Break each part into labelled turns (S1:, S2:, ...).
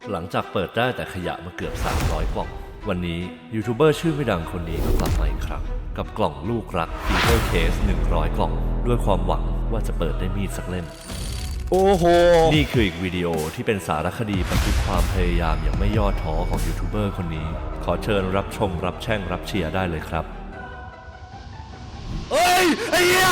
S1: หลังจากเปิดได้แต่ขยะมาเกือบ300กล่องวันนี้ยูทูบเบอร์ชื่อไม่ดังคนนี้ก็กลับมาอีกครั้งกับกล่องลูกรัก Fever Case 100 กล่องด้วยความหวังว่าจะเปิดได้มีดสักเล่มโอ้โหนี่คืออีกวิดีโอที่เป็นสารคดีบันทึกความพยายามอย่างไม่ย่อท้อของยูทูบเบอร์คนนี้ขอเชิญรับชมรับแช่งรับเชียร์ได้เลยครับเอ้ยไอ้เหี้ย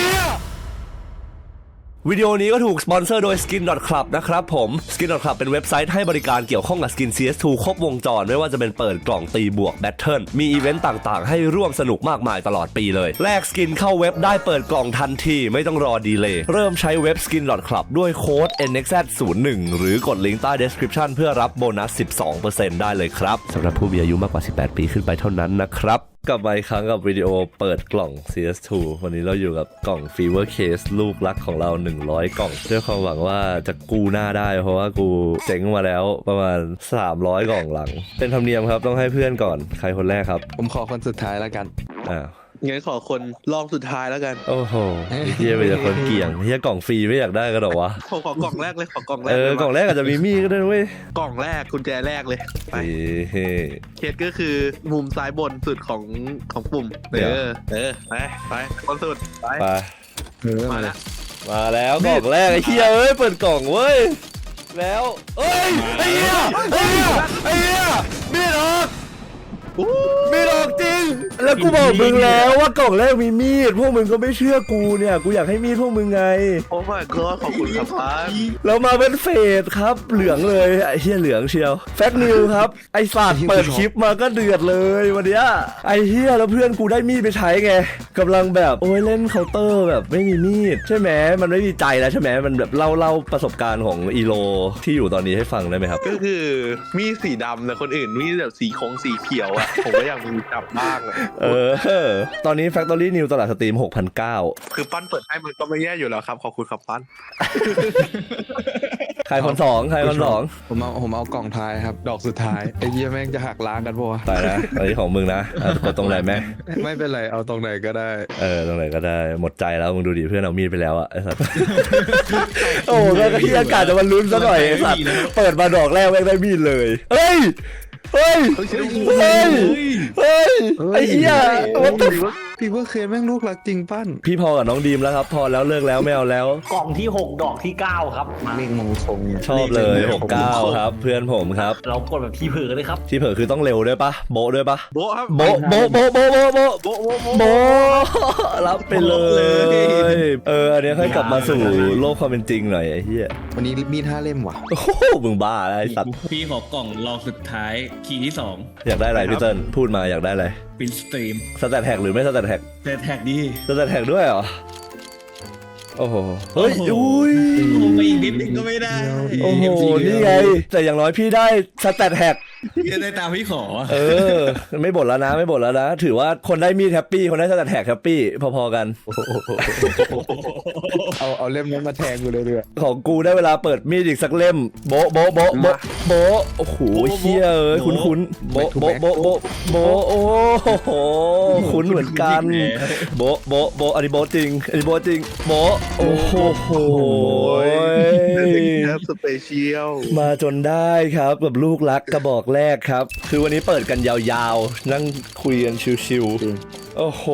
S1: วิดีโอนี้ก็ถูกสปอนเซอร์โดย Skin.club นะครับผม Skin.club เป็นเว็บไซต์ให้บริการเกี่ยวข้องกับ Skin CS2 ครบวงจรไม่ว่าจะเป็นเปิดกล่องตีบวกแบทเทิลมีอีเวนต์ต่างๆให้ร่วมสนุกมากมายตลอดปีเลยแลกสกินเข้าเว็บได้เปิดกล่องทันทีไม่ต้องรอดีเลย์เริ่มใช้เว็บ Skin.club ด้วยโค้ด NXZ01 หรือกดลิงก์ใต้ description เพื่อรับโบนัส 12% ได้เลยครับสำหรับผู้มีอายุมากกว่า18ปีขึ้นไปเท่านั้นนะครับกลับมาอีกครั้งกับวิดีโอเปิดกล่อง CS2 วันนี้เราอยู่กับกล่อง Fever Case ลูกรักของเรา100กล่องด้วยความหวังว่าจะกู้หน้าได้เพราะว่ากูเจ๊งมาแล้วประมาณ300กล่องหลังเป็นธรรมเนียมครับต้องให้เพื่อนก่อนใครคนแรกครับ
S2: ผมขอคนสุดท้ายแล้วกัน
S3: งั้นขอคนลองสุดท้ายแล้วกัน
S1: โอ้โหเฮียเป็นคนเกี่ยงเฮียกล่องฟรีไม่อยากได้กันหรอวะ
S3: ขอกล่องแรกเลยขอกล่องแรก
S1: กล่องแรกอาจจะมีมีดก็ได้เว้ย
S3: กล่องแรกกุญแจแรกเลยไปเคสก็คือมุมซ้ายบนสุดของปุ่มไปคนสุดไปมา
S1: แล้วกล่องแรกไอ้เฮียเปิดกล่องเว้ยแล้วไอ้เฮียมีดออกจริงแล้วกูบอกมึงแล้วว่ากล่องแรกมีมีดพวกมึงก็ไม่เชื่อกูเนี่ยกูอยากให้มีดพวกมึงไง
S3: โอ้ my god ขอบคุณครับป้า
S1: แล้วมาเป็นเฟสครับเหลืองเลยไอ้เหี้ยเหลืองเชียวแฟกนิวครับไอ้สัตว์เปิดคลิปมาก็เดือดเลยวันเนี้ยไอ้เหี้ยแล้วเพื่อนกูได้มีดไปใช้ไงกำลังแบบโอ้ยเล่นเคาน์เตอร์แบบไม่มีมีดใช่ไหมมันไม่มีใจแล้วใช่ไหมมันแบบเล่าประสบการณ์ของอีโลที่อยู่ตอนนี้ให้ฟังได้ไหมครับ
S3: ก็คือมีดสีดำแต่คนอื่นมีดแบบสีเขียวอ่ะผมก็อยากมีจับบ้าง
S1: ตอนนี้ Factory New ตลาดสตรีม 6,900
S3: คือปั้นเปิดให้มันก็ไม่แย่อยู่แล้วครับขอบคุณครับปั้น
S1: ใครคนสอง
S2: ผมเอากล่องท้ายครับดอกสุดท้ายไอ้เหี้ยแม่งจะหักล้างกันปะวะ
S1: ตายนะอันนี้ของมึงนะกดตรงไหนไหม
S2: ไม่เป็นไรเอาตรงไหนก็ได้
S1: ตรงไหนก็ได้หมดใจแล้วมึงดูดิเพื่อนเอามีดไปแล้วอะไอ้สัตว์โอ้ก็ที่อากาศจะมันลุ้นซะหน่อยไอ้สัตว์เปิดมาดอกแรกแม่งได้มีดเลยเฮ้ยไอ้เหี้ย
S2: พี่ว่าเคยแม่งลูกรักจริงปั้น
S1: พี่พอกับน้องดีมแล้วครับพอแล้วเลิกแล้วไม่เอาแล้ว
S4: กล่องที่6ดอกที่9ครับ
S2: เลขมงคล
S1: ชอบเลย69ครับเพื่อนผมครับ
S4: เรากดแบบที่เผลอเลยครับ
S1: ที่เผลอคือต้องเร็วด้วยปะโบด้วยปะ
S3: โบครับ
S1: โบรับไปเลยอันนี้ค่อยกลับมาสู่โลกความเป็นจริงหน่อยไอ้เหี้ย
S2: วันนี้มี5 เล่มว่ะ
S1: โอ้มึงบ้าอะไรสัตว์
S5: พี่ขอกล่องรองสุดท้ายคีย์ที่2
S1: อยากได้อะไรพี่เติ้ลพูดมาอยากได้อะไร
S5: ปินสตรีม
S1: สแตทแท็กหรือไม่สแตทแท็ก
S5: สแตทแท็กดี
S1: สแตทแท็กด้วยเหรอโอ้โหเฮ้ยอุ้ย
S5: ผมไปอีกนิดนึงก็ไม่ได้
S1: โอ้โหนี่ไงแต่อย่างน้อยพี่ได้สแตทแท็ก
S5: พี่ได้ตามพี่ขอ
S1: ไม่บ่นแล้วนะถือว่าคนได้มีดแฮปปี้คนได้สแตทแท็กแฮปปี้พอๆกัน
S2: เอาเล่มนั้นมาแทงกูเลยด้วย
S1: ของกูได้เวลาเปิดมีดอีกสักเล่มโบโอ้โหเฮียคุ้นโบโอ้โหคุ้นเหมือนกันโบอันนี้โบจริงโบโอ้โห
S3: สเปเชียล
S1: มาจนได้ครับแบบลูกรักกระบอกแรกครับคือวันนี้เปิดกันยาวๆนั่งคุยกันชิวๆโอ้โห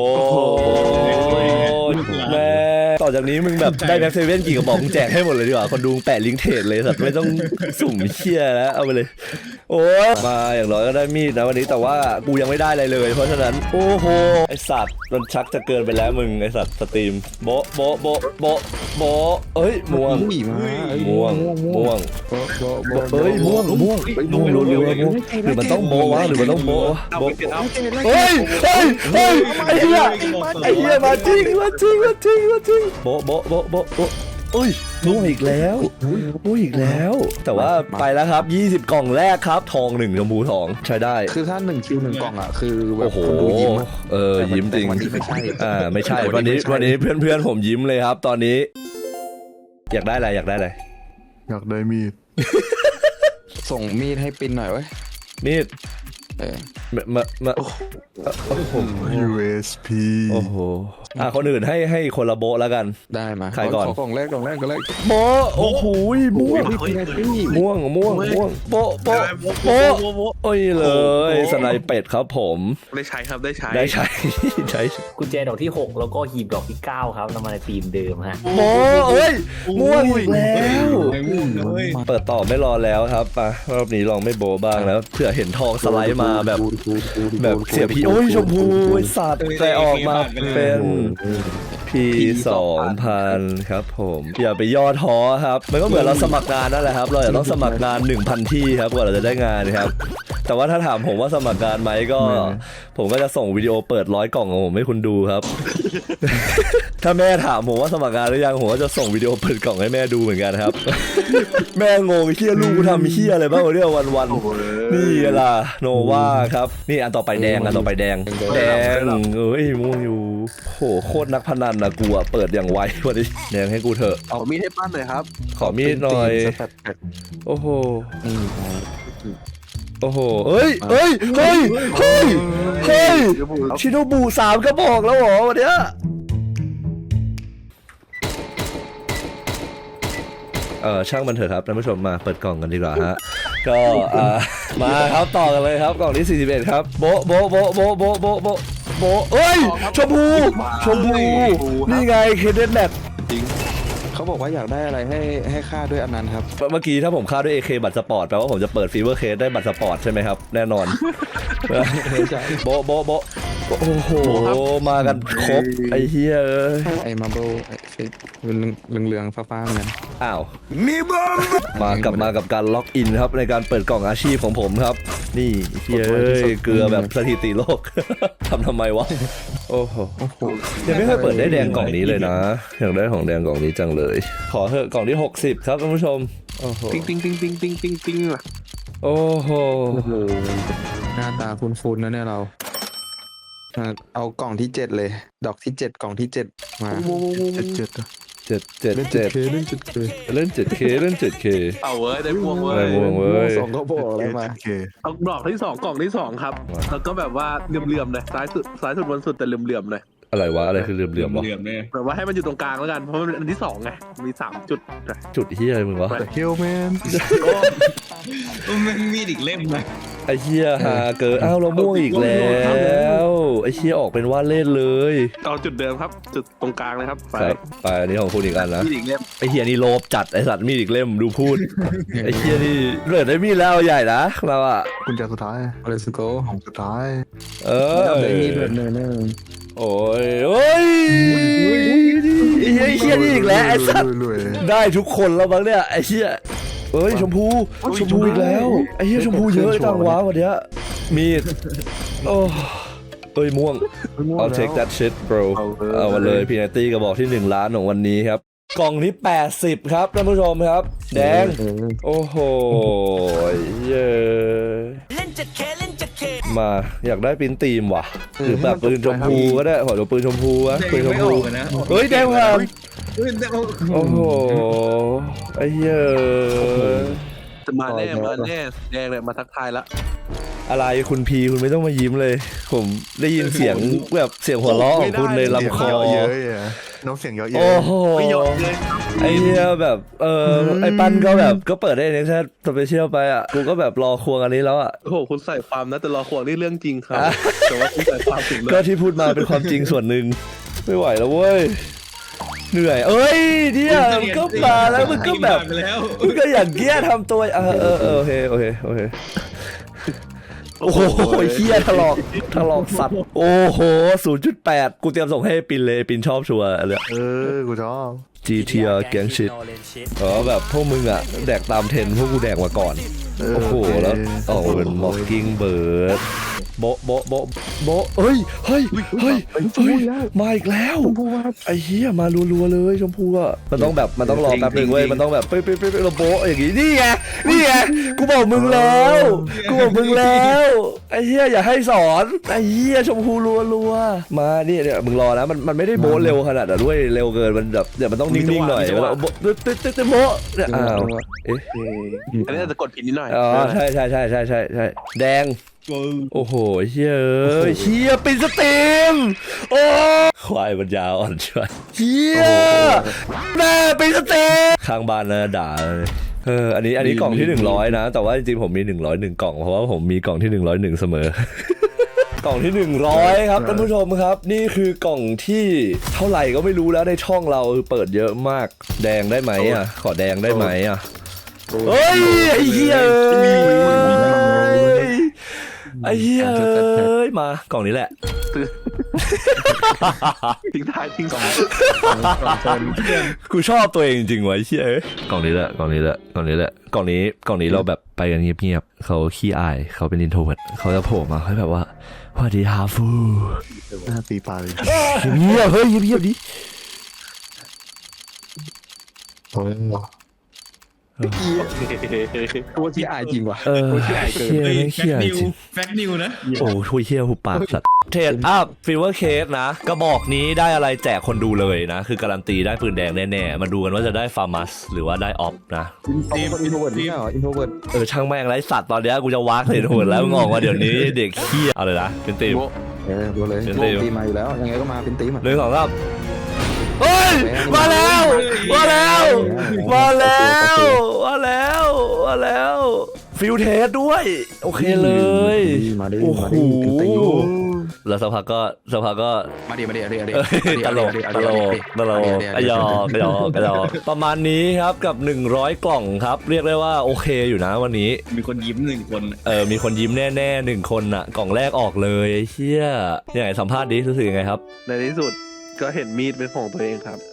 S1: แม่ต่อจากนี้มึงแบบได้แบ็คเซเว่นกี่กระบอกมึงแจกให้หมดเลยดีกว่าคนดูแปะลิงก์เทรดเลยสัตว์ไม่ต้องสุ่มเชี่ยแล้วเอาไปเลยโอ้มาอย่างน้อยก็ได้มีดนะวันนี้แต่ว่ากูยังไม่ได้อะไรเลยเพราะฉะนั้นโอ้โหไอสัตว์มันชักจะเกินไปแล้วมึงไอสัตว์สตรีมโบเอ้ยม่วงเฮ้ยม่วงหรือมันต้องโบวะหรือมันต้องโบเฮ้ยไอ้เหี้ยมาจริงโบโอ้ยม่วงอีกแล้วแต่ว่าไปแล้วครับ20กล่องแรกครับทอง1ชมพู2ใช้ได้
S2: คือถ้า1คิว1กล่องอ่ะคือ
S1: โอ้โหยิ้มจริง
S2: ไม่ใช่
S1: วันนี้เพื่อนผมยิ้มเลยครับตอนนี้อยากได้อะไร
S6: อยากได้มีด
S2: ส่งมีดให้ปินหน่อยเว้ย
S1: มีด
S6: มาโอ้โห USP
S1: โอ้โหคนอื่นให้คนละโบะแล้วกัน
S2: ได้มา
S1: ใครก่อน
S2: ขกล่องแรกกล่องแรกกล่องแรก
S1: โบะโอ้โหม่วงม่วงโบะโบะโบะโอ้ยเลยสไนเป็ดครับผม
S3: ได้ใช้ครับได้ใช้
S1: ได้ใช้ ใช้
S4: กุญแจดอกที่ 6 แล้วก็หีบดอกที่ 9 ครับนำมาในธีมเดิมฮะ
S1: โบะเอ้ยม่วงอีกแล้ว
S5: ไม่ม่วงเลย
S1: เปิดต่อไม่รอแล้วครับมารอบนี้ลองไม่โบะบ้างแล้วเผื่อเห็นทองสไลด์มาแบบเสียพีโอ้ยชมพูไอ้สัตว์แต่ออกมาเป็นพี2,000ครับผมอย่าไปย่อท้อครับมันก็เหมือนเราสมัครงานนั่นแหละครับเราจะต้องสมัครงาน 1,000 ที่ครับกว่าเราจะได้งานครับแต่ว่าถ้าถามผมว่าสมัครงานไหมก็ ผมก็จะส่งวิดีโอเปิด100 กล่องของผมให้คุณดูครับ ถ้าแม่ถามผมว่าสมัครงานหรือยังผมก็จะส่งวิดีโอเปิดกล่องให้แม่ดูเหมือนกันครับ แม่งงเฮียลูกกูทำเฮียอะไรบ้างวะเนี่ยวันๆนี่ล่ะโนวาครับนี่อันต่อไปแดงอันต่อไปแดงเอ้ยม่วงอยู่โหโคตรนักพนันนะกูอะเปิดอย่างไววันนี้แดงให้กูเถอะ
S3: เอามีดให้ปั้นหน่อยครับ
S1: ขอมีดหน่อย
S2: สแตทแพ็ค
S1: โอ้โห
S2: นี่
S1: โอ้โหเฮ้ยชิโนบุ3กระบอกแล้วเหรอวันเนี้ยช่างมันเถอะครับท่านผู้ชมมาเปิดกล่องกันดีกว่าฮะก็มาครับต่อกันเลยครับกล่องที่41ครับโบะเอ้ยชมพูนี่ไงเคเดนแมท
S2: เขาบอกว่าอยากได้อะไรให้ค่าด้วยอันนั้นครับ
S1: เมื่อกี้ถ้าผมค่าด้วย AK บัตรสปอร์ตแปลว่าผมจะเปิดฟีเวอร์เคสได้บัตรสปอร์ตใช่ไหมครับแน่นอนโบะโอ้โหมากันครบไอ้เฮียเอ้ย
S2: ไอ้มาร์เบิลไอ้สีเหลืองฟ้าๆเหมือนกัน
S1: อ้าวมากลับมากับการล็อกอินครับในการเปิดกล่องอาชีพของผมครับนี่เฮียเอ้ยเกลือแบบสถิติโลก ทำไมวะโอ้โหยังไม่เคยเปิดได้แดงกล่องนี้เลยนะอยากได้ของแดงกล่องนี้จังเลยขอเถอะกล่องที่60ครับท่านผู้ชมโอ้โห
S3: ติ้งว่ะ
S1: โอ้โห
S2: หน้าตาฟุ้นๆนะเนี่ยเราเอากล่องที่ 7 เลย ดอกที่ 7 กล่องที่ 7 มา
S6: 7
S1: เล่น 7K เล่น 7K
S3: เอาเว้ยได้ม่วงเว้
S1: ได้
S3: ย
S1: ม่วงเว้ย
S2: สองก็บอกแล้วมา
S6: 7K
S3: เอาดอกที่ 2กล่องที่ 2ครับแล้วก็แบบว่าเหลื่อมๆเลยซ้ายสุดบนสุดแต่เหลื่อมๆเลย
S1: อะไรวะอะไรคือเหลื่อมๆวะ
S5: เหลี่ยมเนี่ย
S3: แบบว่าให้มันอยู่ตรงกลางแล้วกันเพราะมันเป็นอันที่2ไงมี3จุดนะ
S1: จุดเฮียอะไรมึงวะ
S6: Hillman
S5: มันมีอีกเล่มนะ
S1: ไอ้เฮียหาเกิดอ้าวเราม่วงอีกแล้วไอ้เฮียออกเป็นว่าเล่นเลย
S3: เอาจุดเดิมครับจุดตรงกลางเลยครับไป
S1: ไปอันนี้ของคุณอีกอันนะ
S3: มีอีกเล่ม
S1: ไอ้เฮียนี่โลภจัดไอ้สัตว์มีดอีกเล่มดูพูด ไอ้เฮียนี่เลือดได้มีดแล้วใหญ่นะเราอะ
S6: กุญแจสุดท้าย
S2: Let's go
S6: ของสุดท้าย
S2: ได้มีแบบเนื้อ
S1: โอ้ยเฮ้ยไอ้เฮียนี่อีกแล้วไอ้สัตว์
S6: รวย
S1: ได้ทุกคนแล้วบ้างเนี่ยไอ้เฮียเอ้ยชมพูอีกแล้วไอ้เฮียชมพูเยอะจังวะวันเนี้ยมีดโอ้เอ้ยม่วง I'll take that shit bro เอามาเลยพีนัตตี้กระบอกที่1 ล้านของวันนี้ครับกล่องที่80ครับท่านผู้ชมครับแดงโอ้โหเย้มาอยากได้ปิ้นตีมว่ะหรือแบบปืนชมพูก็ได้ขอดูปืนชมพูวะปืนชมพูเฮ้ยแดงครับ โอ้โหไอ้เหี้ย
S3: จะมาแน่แดงเลยมาทักทายละ
S1: อะไรคุณพีคุณไม่ต้องมายิ้มเลย ผมได้ยินเสียงแบบเสียงหัวเราะของคุณในลำคอ
S6: เยอะอ่ะน้องเสียงเยอะ
S1: โอ้โหไอ้เหี้ยแบบไอ้ปั้นก็แบบก็เปิดได้ในแค่สเปเชียลไปอ่ะกูก็แบบรอควงอันนี้แล้วอ่ะ
S3: โอ้โหคุณใส่ความนะแต่รอควงนี่เรื่องจริงครับแต่ว่าคุณใส่ความถึงเลย
S1: ก็ที่พูดมาเป็นความจริงส่วนหนึ่งไม่ไหวแล้วเว้ยเหนื่อยเอ้ยเนี่ยมันก็มาแล้วมันก็แบบมันก็อย่างเงี้ยทำตัวโอเคโอ้โหเฮียถลอกสัตว์โอ้โห 0.8 กูเตรียมส่งให้ปินเลยปินชอบชัวร์เลย
S6: กูชอบ
S1: GTR แกงชิดแบบพวกมึงอ่ะแดกตามเทรนด์พวกกูแดกมาก่อนโอ้โหแล้วออกมาเป็น Mockingbird โบะเฮ้ยมาอีกแล้วไอ้เหี้ยมารัวๆเลยชมพูอ่ะมันต้องรอแป๊บนึงเว้ยมันต้องแบบไปเราโบะอย่างงี้นี่ไงกูบอกมึงแล้วไอ้เหี้ยอย่าให้สอนไอ้เหี้ยชมพูรัวๆมาเนี่ยมึงรอนะมันไม่ได้โบะเร็วขนาดนั้นด้วยเร็วเกินมันแบบเดี๋ยวมันต้องนิ่งๆหน่อยแล้วโบะเนี่ยอ้าวเอ๊ะ
S3: อันนี้อาจจะกดผิดนิดหน่อย
S1: อ๋อใช่แดงโอ้โหเฮียเอ้ยเฮียปินสตรีมโอ้ควายมันยาวอ่อนช่วยเฮียแม่ปินสตรีมข้างบ้านนะด่าเลยอันนี้กล่องที่100นะแต่ว่าจริงๆผมมี101กล่องเพราะว่าผมมีกล่องที่101เสมอ กล่องที่100ครับท่านผู้ชมครับ นี่คือกล่องที่เท่าไหร่ก็ไม่รู้แล้วในช่องเราเปิดเยอะมากแดงได้ไหมอ่ะขอแดงได้ไหมอ่ะเฮ้ยไอ้เหี้ยไอ้เหี้ยมากล่องนี้แหละ
S3: ทิ้งท้ายทิ้งสอง
S1: กูชอบตัวเองจริงๆวะไอ้เหี้ยกล่องนี้แหละกล่องนี้เราแบบไปกันเงียบๆเขาขี้อายเขาเป็นอินโทรเวิร์ตเขาจะโผล่มาเขาแบบว่าสวัสดีฮาฟู
S6: หน้าตีปลาเลย
S1: เงียบเฮ้ยเงียบดิ
S2: ตัวที่อายจริงว่ะ
S1: ตัวที่อายเกิน
S5: เฮ้ย
S1: เหี้ย
S5: แฟกนิวนะ
S1: โอ้ทุยเฮียหุบปากสัตว์เทรดอัพฟิลเวอร์เคสนะกระบอกนี้ได้อะไรแจกคนดูเลยนะ คือการันตีได้ปืนแดงแน่ๆ มาดูกันว่าจะได้ฟาร์มัสหรือว่าได้ออฟนะ
S2: เขาเป็นคนอินโทรเวิร์ดนี่เหรออินโทรเวิร์ด
S1: ช่างแม่งไรสัตว์ตอนเนี้ยกูจะวักเลยโหดแล้วมึงออกมาเดี๋ยวนี้เด็กเฮียเอาเลยนะเป็นตีม
S2: ดูเลย
S1: เป็นตีม
S2: ตีมาอยู่แล้วยังไงก็มาเป็นตีมอ่ะ
S1: 1 2 3เฮ้ยมาแล้วฟิลเทสด้วยโอเคเลย
S2: มาดิ
S1: โอ้โห
S2: เป็นตีม
S1: แล้วสักพักก็
S2: มาดิ
S1: ตลกกระยอกประมาณนี้ครับกับ100กล่องครับเรียกได้ว่าโอเคอยู่นะวันนี้
S5: มีคนยิ้ม1 คน
S1: มีคนยิ้มแน่ๆ1 คนอ่ะกล่องแรกออกเลยเชี่ยยังไงสัมภาษณ์ดิรู้สึกยังไงครับ
S3: ในที่สุดก็เห็นมีดเป็นของตัวเองครับ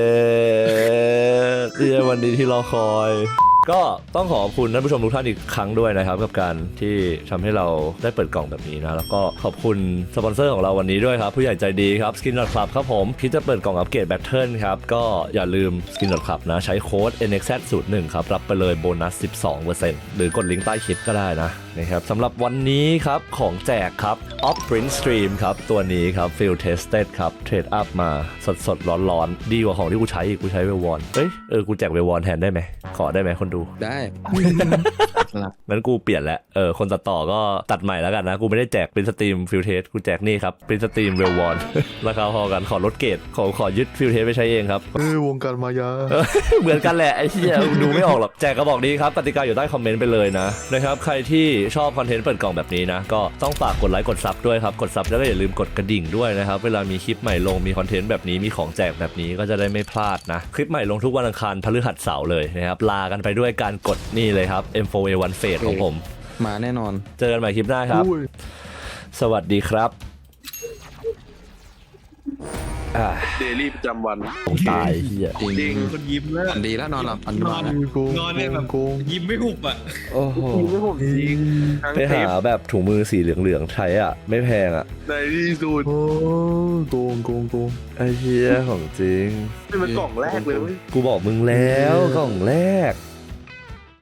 S1: คือวันนี้ที่รอคอย ก็ต้องขอบคุณท่านผู้ชมทุกท่านอีกครั้งด้วยนะครับกับการที่ทำให้เราได้เปิดกล่องแบบนี้นะแล้วก็ขอบคุณสปอนเซอร์ของเราวันนี้ด้วยครับผู้ใหญ่ใจดีครับ Skin Club ครับผมคิดจะเปิดกล่องอัปเกรดแบตเทิลครับก็อย่าลืม Skin Club นะใช้โค้ด NXZ01 ครับรับไปเลยโบนัส 12% หรือกดลิงก์ใต้คลิปก็ได้นะครับสำหรับวันนี้ครับของแจกครับ Off Print Stream ครับตัวนี้ครับ Field Tested ครับเทรดอัพมาสดๆร้อนๆดีกว่าของที่กูใช้อีกกูใช้เวลวอนกูแจกเวลวอนแทนได้ไหมขอได้ไหมคนดู
S2: ได้
S1: งั้นกูเปลี่ยนแล้วคนตัดต่อก็ตัดใหม่แล้วกันนะกูไม่ได้แจกเป็นสตรีมฟิลเทสกูแจกนี่ครับเป็นสตรีมเวลวอน ราคาพอกันขอลดเกรดขอยึดฟิลเทสไปใช้เองครับ
S6: วงการมายา
S1: เหมือนกันแหละไอ้เหี้ยดูไม่ออกหรอกแจกกระบอกนี้ครับกติกาอยู่ใต้คอมเมนต์ไปเลยนะครับใครที่ชอบคอนเทนต์เปิดกล่องแบบนี้นะก็ต้องฝากกดไลค์กดซับด้วยครับกดซับแล้วก็อย่าลืมกดกระดิ่งด้วยนะครับเวลามีคลิปใหม่ลงมีคอนเทนต์แบบนี้มีของแจกแบบนี้ก็จะได้ไม่พลาดนะคลิปใหม่ลงทุกวันอังคารพฤหัสเสาร์เลยนะครับลากันไปด้วยการกดนี่เลยครับ M4A1 Fade ของผม
S2: มาแน่นอน
S1: เจอกันใหม่คลิปหน้าครับ สวัสดีครับ
S3: เดลี่ประจำวัน
S1: ผมตายเฮีย
S3: จริง
S5: คนยิ้มแล้ว
S2: อันดีแล้วนอนหลับอัน
S5: น
S2: น
S5: อ
S2: อน
S5: น
S6: โกง
S5: นอนเนี่ยแบบ
S6: โกง
S5: ยิ้มไม่หุบอ่ะ
S1: โอ้โห
S3: ไม่ผมจริงทั้ง
S1: ไป
S3: เท
S1: หา
S3: ป
S1: แบบถุงมือสีเหลืองๆใช้อ่ะ ไม่แพงอ่ะ
S3: ในที่สุด
S6: โอ้โกง
S1: ไอ้เฮียของจริง
S3: นี่มันกล่องแรกเลยเว้ย
S1: กูบอกมึงแล้วกล่องแรก